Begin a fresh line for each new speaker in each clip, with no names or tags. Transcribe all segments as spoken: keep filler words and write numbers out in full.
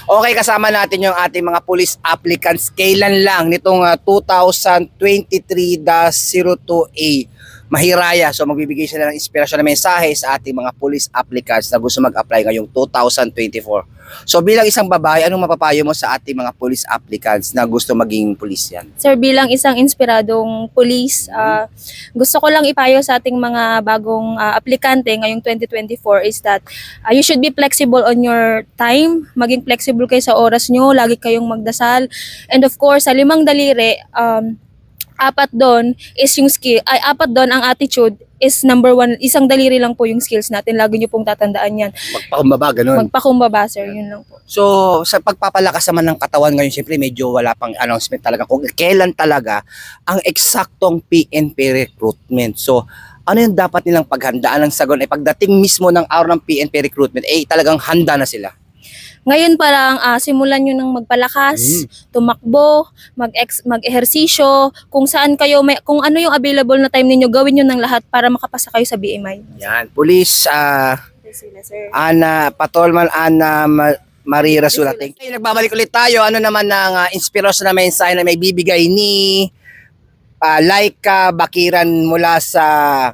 Okay, kasama natin yung ating mga police applicants. Kailan lang nitong uh, twenty twenty-three dash zero two A Mahiraya. So magbibigay sila ng inspirasyon na mensahe sa ating mga police applicants na gusto mag-apply ngayong twenty twenty-four. So bilang isang babae, anong mapapayo mo sa ating mga police applicants na gusto maging police yan?
Sir, bilang isang inspiradong police, uh, gusto ko lang ipayo sa ating mga bagong uh, aplikante ngayong twenty twenty-four is that uh, you should be flexible on your time, maging flexible kayo sa oras nyo, lagi kayong magdasal. And of course, sa limang daliri, um, apat doon is yung skill, ay apat doon ang attitude is number one, isang daliri lang po yung skills natin, lagi nyo pong tatandaan yan.
Magpakumbaba, ganun.
Magpakumbaba, sir, yun lang po.
So, sa pagpapalakas naman ng katawan ngayon, siyempre medyo wala pang announcement talaga kung kailan talaga ang eksaktong P N P recruitment. So, ano yung dapat nilang paghandaan ng sagon? Eh, pagdating mismo ng araw ng P N P recruitment, eh talagang handa na sila.
Ngayon pa lang, uh, simulan nyo ng magpalakas, mm. tumakbo, mag-ex- mag-ehersisyo, kung saan kayo, may, kung ano yung available na time ninyo, gawin nyo ng lahat para makapasa kayo sa B M I.
Yan, Police, uh,
sir.
Ana, Patolman, Ana, Ma- Marie Rasulating. Ay, nagbabalik ulit tayo. Ano naman ng uh, inspirasyon na mensahe na may bibigay ni uh, Laika Bakiran mula sa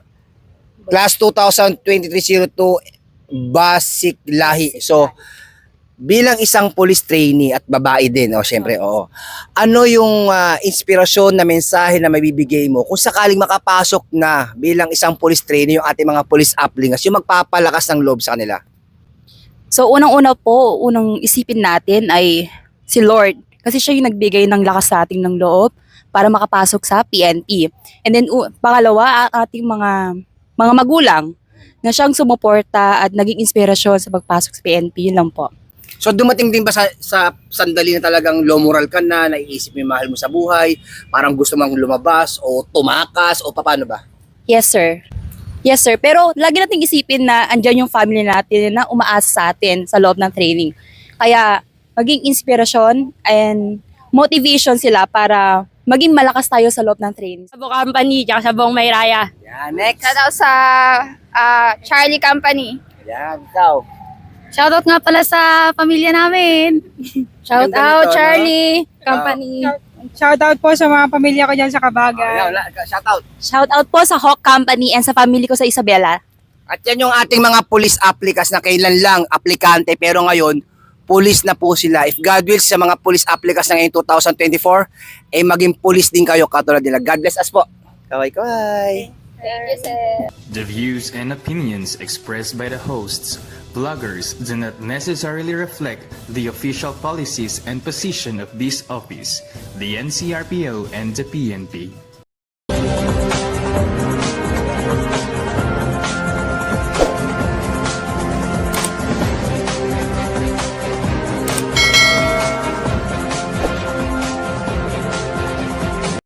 Class twenty twenty-three dash zero two Basic Lahi. So, bilang isang police trainee at babae din, oh, syempre, oo. Ano yung uh, inspirasyon na mensahe na mabibigay mo kung sakaling makapasok na bilang isang police trainee yung ating mga police applicants, yung magpapalakas ng loob sa kanila?
So unang-una po, unang isipin natin ay si Lord. Kasi siya yung nagbigay ng lakas sa ating ng loob para makapasok sa P N P. And then uh, pangalawa, ang ating mga mga magulang na siyang sumuporta at naging inspirasyon sa pagpasok sa P N P. Yun lang po.
So dumating din ba sa, sa sandali na talagang low moral ka na, naiisip mo yung mahal mo sa buhay, parang gusto mong lumabas o tumakas o paano ba?
Yes, sir. Yes, sir. Pero lagi nating isipin na andyan yung family natin na umaasa sa atin sa loob ng training. Kaya maging inspirasyon and motivation sila para maging malakas tayo sa loob ng training.
Sa buong company, tsaka sa buong Mayraya.
Yan, next.
Shoutout sa uh, Charlie Company.
Yan, ikaw.
Shoutout nga pala sa pamilya namin.
Shoutout
Ganda nito,
Charlie
no?
Company.
Shoutout po sa mga pamilya ko dyan sa Kabagan.
Oh, shout out.
Shout out po sa Hawk Company and sa family ko sa Isabela.
At yan yung ating mga police applicants na kailan lang aplikante pero ngayon police na po sila. If God wills sa mga police applicants na ngayong twenty twenty-four, eh maging police din kayo katulad nila. God bless us po. Kaway-kaway.
Thank you, sir.
The views and opinions expressed by the hosts, bloggers do not necessarily reflect the official policies and position of this office, the N C R P O, and the P N P.